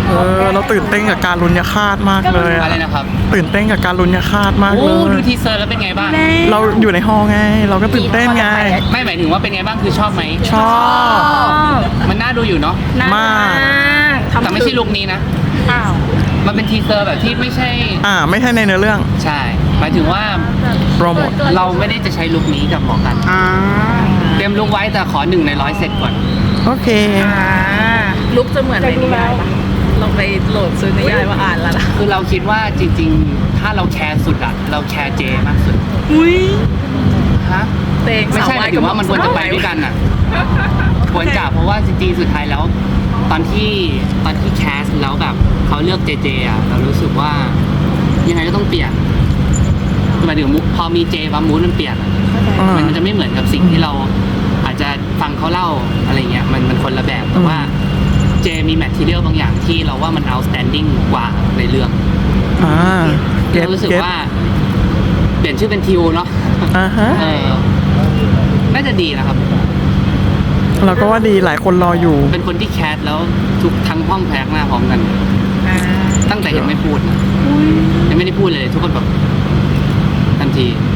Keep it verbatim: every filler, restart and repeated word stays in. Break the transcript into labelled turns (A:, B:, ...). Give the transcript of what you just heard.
A: เออเราตื่นเต้นกับการลุ้นยาคาดมากเลยอะ
B: อะไรนะครับ
A: ตื่นเต้นกับการลุ้นยาคาดมาก
B: โอ้
A: เลย
B: ดูทีเซอร์แล้วเป็นไงบ้าง
A: เราอยู่ในฮอลล์ไง เราก็ตื่นเต้นไง
B: ไม่หมายถึงว่าเป็นไงบ้างคือชอบไหม
A: ชอบ
B: มันน่าดูอยู่เนาะ
A: มาก
B: แต่ไม่ใช่ลุคนี้นะ
C: อ้าว
B: มันเป็นทีเซอร์แบบที่ไม่ใช่
A: อ่าไม่ใช่ในเนื้อเรื่อง
B: ใช่ หมายถึงว่า
A: โปรโมท
B: เราไม่ได้จะใช้ลุคนี้กับหมอกัน
C: อ่า
B: เตรียมลุคไว้แต่ขอหนึ่งในร้อยเสร็จก่อน
A: โอเค
C: อ่าลุกจะเหมือนในนิยายปะลองไปโหลดซื้อนิยายมาอ่านแล้วนะ
B: คือเราคิดว่าจริงๆ ถ้าเราแคร์สุดอะเราแคร์เจมากสุด
C: อุ้ย
B: ฮะ
C: เตง
B: ไม่ใช่หมายถึงว่ามันควรจะไปด้วยกันอะควรจะเพราะว่าจริงๆ สุดท้ายแล้ว ตอนที่ตอนที่แคสแล้วแบบเขาเลือกเจเจอะเรารู้สึกว่ายังไงก็ต้องเปลี่ยนคือหมายถึงมุกพอมีเจปั๊มมูดมันเปลี่ยนอะ
A: อ่า
B: มันจะไม่เหมือนกับสิ่งที่เราอาจจะฟังเขาเล่าอะไรเงี้ยมันมันคนละแบบแต่ว่าเจมีแมททีเรียลบางอย่างที่เราว่ามัน outstanding กว่าในเรื่อง
A: อ่าเก็ต
B: เรารู้สึก
A: เก็ต
B: ว่าเปลี่ยนชื่อเป็นทิวเนาะ
A: อ่าฮะ
B: เออน่าจะดีนะครับ
A: เราก็ว่าดีหลายคนรออยู่
B: เป็นคนที่แคสแล้วทุกทั้งห้องแพกหน้าพร้อมกัน
C: อ่า
B: ตั้งแต่ยังไม่พูดนะยังไม่ได้พูดเลย ทุกคนแบบทันที